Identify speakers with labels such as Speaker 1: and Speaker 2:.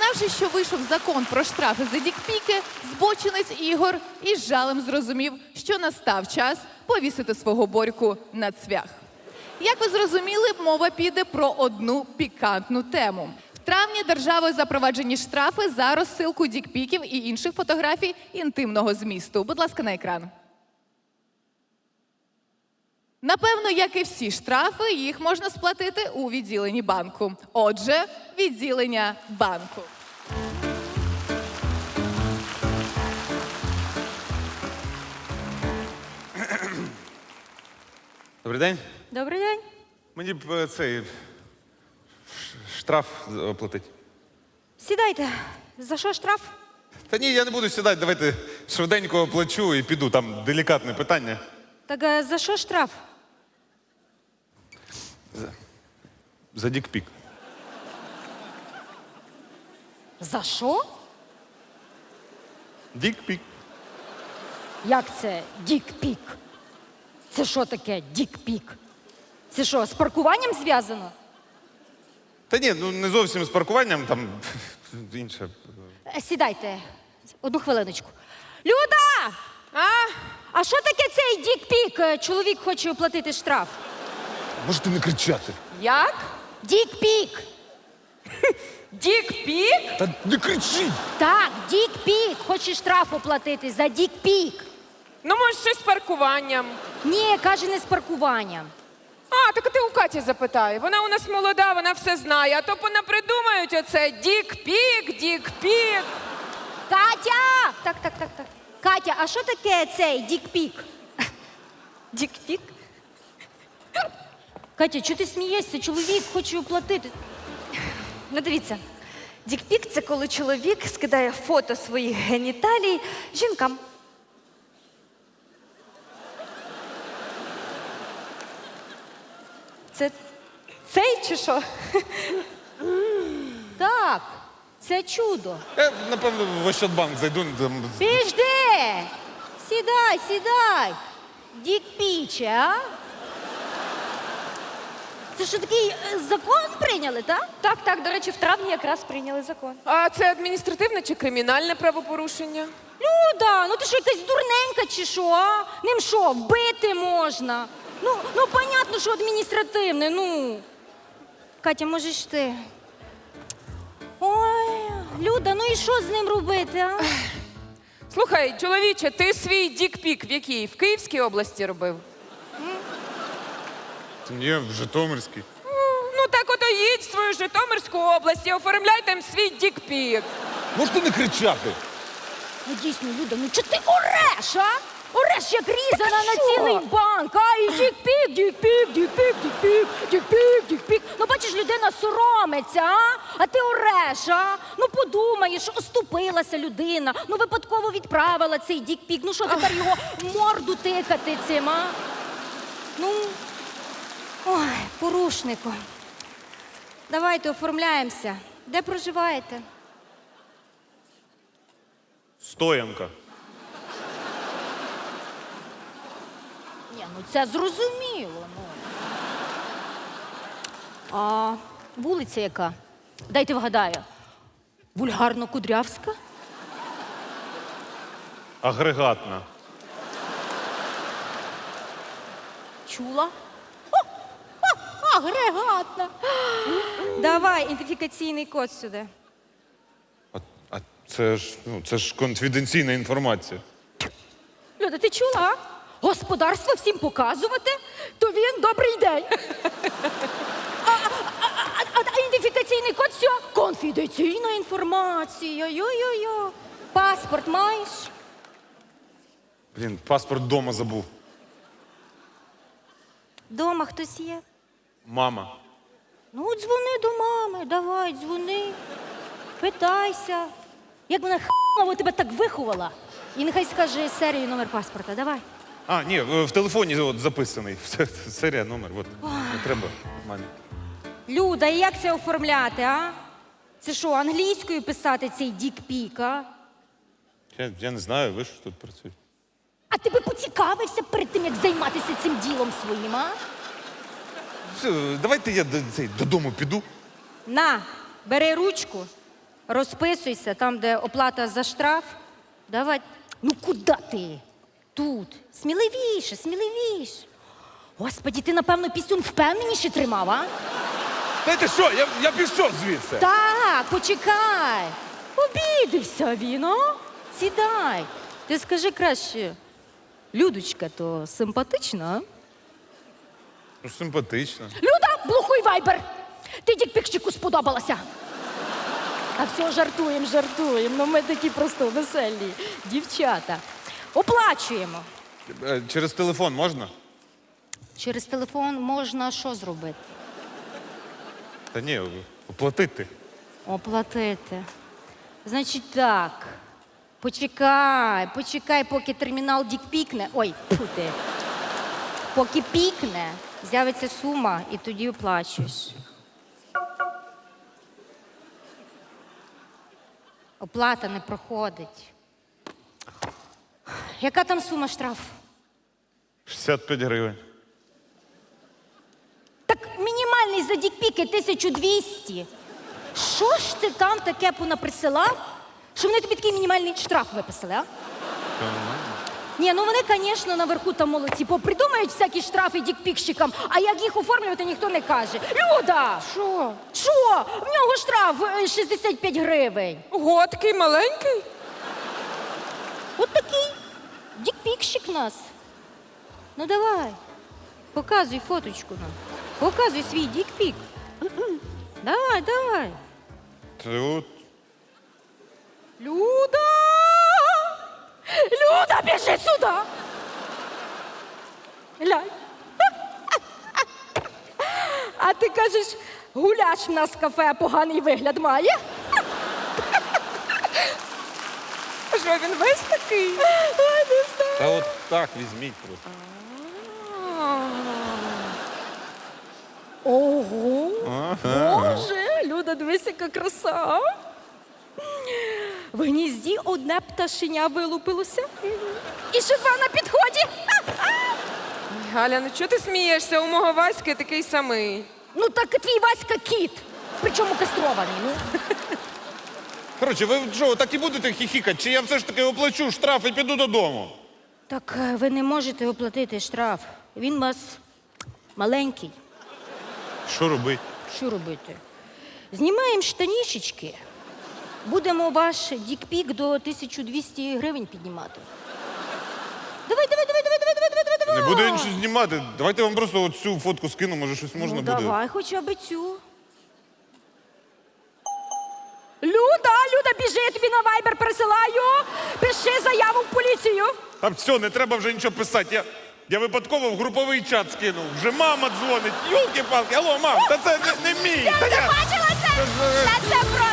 Speaker 1: Дізнавшись, що вийшов закон про штрафи за дікпіки, збочинець Ігор із жалем зрозумів, що настав час повісити свого Борьку на цвях. Як ви зрозуміли, мова піде про одну пікантну тему. В травні державою запроваджені штрафи за розсилку дікпіків і інших фотографій інтимного змісту. Будь ласка, на екран. Напевно, як і всі штрафи, їх можна сплатити у відділенні банку. Отже, відділення банку.
Speaker 2: Добрий день.
Speaker 3: Добрий день.
Speaker 2: Мені б цей штраф оплатити.
Speaker 3: Сідайте. За що штраф?
Speaker 2: Та ні, я не буду сідати, давайте швиденько оплачу і піду, там делікатне питання.
Speaker 3: Так за що штраф?
Speaker 2: За дікпік.
Speaker 3: За що?
Speaker 2: Дікпік.
Speaker 3: Як це дік-пік? Це що таке дік-пік? Це що, з паркуванням зв'язано?
Speaker 2: Та ні, ну не зовсім з паркуванням, там інше.
Speaker 3: Сідайте. Одну хвилиночку. Люда! А що таке цей дік-пік? Чоловік хоче оплатити штраф.
Speaker 2: Можете не кричати.
Speaker 4: Як?
Speaker 3: Дік-пік!
Speaker 4: Дік-пік?
Speaker 2: Та не кричіть!
Speaker 3: Так, дік-пік! Хоче штраф оплатити за дік-пік.
Speaker 4: Ну, може, щось з паркуванням.
Speaker 3: Ні, каже, не з паркуванням.
Speaker 4: А, так ти у Каті запитай. Вона у нас молода, вона все знає. А то понапридумають оце дік-пік, дік-пік.
Speaker 3: Катя! Так. Катя, а що таке цей дік-пік?
Speaker 4: Дік-пік?
Speaker 3: Катя, чого ти смієшся? Чоловік хоче оплатити.
Speaker 5: Ну, дивіться, дікпік – це коли чоловік скидає фото своїх геніталій жінкам. Це цей чи що?
Speaker 3: Так, це чудо.
Speaker 2: Я, напевно, в Ощадбанк зайду. Там...
Speaker 3: Піжди! Сідай. Дік-піче, а? Це що, такий закон прийняли, так?
Speaker 5: Так, до речі, в травні якраз прийняли закон.
Speaker 4: А це адміністративне чи кримінальне правопорушення?
Speaker 3: Люда, ну ти що, якась дурненька чи що, а? Ним що, вбити можна? Ну, понятно, що адміністративне, ну. Катя, можеш ти? Ой, Люда, ну і що з ним робити, а?
Speaker 4: Слухай, чоловіче, ти свій дік-пік в якій? В Київській області робив?
Speaker 2: Ні, в Житомирській.
Speaker 4: Ну так ото їдь в свою Житомирську область і оформляй там свій дік-пік.
Speaker 2: Можете не кричати?
Speaker 3: Ну дійсно, Люда, ну чого ти ореш, а? Ореш, як різана на
Speaker 4: що?
Speaker 3: цілий банк, а? І дік-пік. Ну бачиш, людина соромиться, а? А ти ореш, а? Ну подумаєш, оступилася людина, ну випадково відправила цей дік-пік. Ну що тепер його в морду тикати цим, а? Ну, ой, порушнику. Давайте оформляємося. Де проживаєте?
Speaker 2: Стоянка.
Speaker 3: Ні, ну це зрозуміло, ну. А вулиця яка? Дайте вгадаю. Вульгарно-Кудрявська?
Speaker 2: Агрегатна.
Speaker 3: Чула? Агрегатна.
Speaker 5: Давай, ідентифікаційний код сюди.
Speaker 2: А це ж конфіденційна інформація.
Speaker 3: Люда, ти чула, а? Господарство всім показувати, то він добрий день. А ідентифікаційний код все? Конфіденційна інформація. Йо-йо-йо. Паспорт маєш?
Speaker 2: Блін, паспорт вдома забув.
Speaker 3: Дома хтось є?
Speaker 2: Мама.
Speaker 3: Ну, дзвони до мами, давай, дзвони. Питайся. Як вона х**ново тебе так виховала. І нехай скаже серію, номер паспорта, давай.
Speaker 2: А, ні, в телефоні от записаний. Серія, номер, от. Не треба мамі.
Speaker 3: Люда, і як це оформляти, а? Це що, англійською писати цей дік-пік, а?
Speaker 2: Я не знаю, ви ж тут працюєте.
Speaker 3: А ти би поцікавився перед тим, як займатися цим ділом своїм, а?
Speaker 2: Все, давайте я додому піду.
Speaker 3: На, бери ручку, розписуйся там, де оплата за штраф. Давай. Ну куди ти? Тут. Сміливіше, сміливіше. Господі, ти, напевно, пісюн впевненіше тримав, а?
Speaker 2: Знаєте що, я пішов звідси.
Speaker 3: Так, почекай. Обідився він, а? Сідай. Ти скажи краще, Людочка, то симпатична, а?
Speaker 2: Ну, симпатично.
Speaker 3: Люда, блокуй вайбер! Ти дікпікчику сподобалася. А все, жартуємо. Ну ми такі просто веселі дівчата. Оплачуємо.
Speaker 2: Через телефон можна?
Speaker 3: Через телефон можна що зробити?
Speaker 2: Та ні, оплатити.
Speaker 3: Оплатити. Значить так. Почекай, поки термінал дікпікне. Ой, фу ти. Поки пікне, з'явиться сума і тоді оплачуєш. Оплата не проходить. Яка там сума штрафу?
Speaker 2: 65 гривень.
Speaker 3: Так мінімальний за дікпіки 1200. Що ж ти там таке понаприсилав, що вони тобі такий мінімальний штраф виписали, а? Ні, ну вони, звісно, наверху там молодці, попридумають всякі штрафи дікпікщикам, а як їх оформлювати, ніхто не каже. Люда!
Speaker 4: Що?
Speaker 3: Що? В нього штраф 65 гривень.
Speaker 4: Ого, такий маленький?
Speaker 3: От такий дікпікщик нас. Ну давай, показуй фоточку нам. Показуй свій дікпік. Давай.
Speaker 2: Тут.
Speaker 3: Люда! Люда, біжи сюди! Глянь. А ти кажеш, гуляш в нас в кафе, поганий вигляд має?
Speaker 4: Що він весь такий?
Speaker 3: Ой, не знаю.
Speaker 2: Та от так візьміть просто.
Speaker 3: Ого! Боже, Люда, дивись, яка краса. В гнізді одне пташеня вилупилося. І ще два на підході.
Speaker 4: Галя, ну чого ти смієшся? У мого Васьки такий самий.
Speaker 3: Ну так твій Васька кіт. Причому кастрований. Ну.
Speaker 2: Коротше, ви що, так і будете хіхікати, чи я все ж таки оплачу штраф і піду додому?
Speaker 3: Так ви не можете оплатити штраф. Він у вас маленький.
Speaker 2: Що робити?
Speaker 3: Що робити? Знімаємо штанішечки. Будемо ваш дікпік до 1200 гривень піднімати. Давай.
Speaker 2: Не буду я нічого знімати. Давайте я вам просто от цю фотку скину, може щось можна
Speaker 3: Ну,
Speaker 2: буде.
Speaker 3: давай хоча б цю. Люда, біжи, я тобі на вайбер присилаю. Пиши заяву в поліцію.
Speaker 2: Та все, не треба вже нічого писати. Я випадково в груповий чат скинув. Вже мама дзвонить. Йолки-палки, алло, мам, та це не мій.
Speaker 3: Я не бачила це! Та це про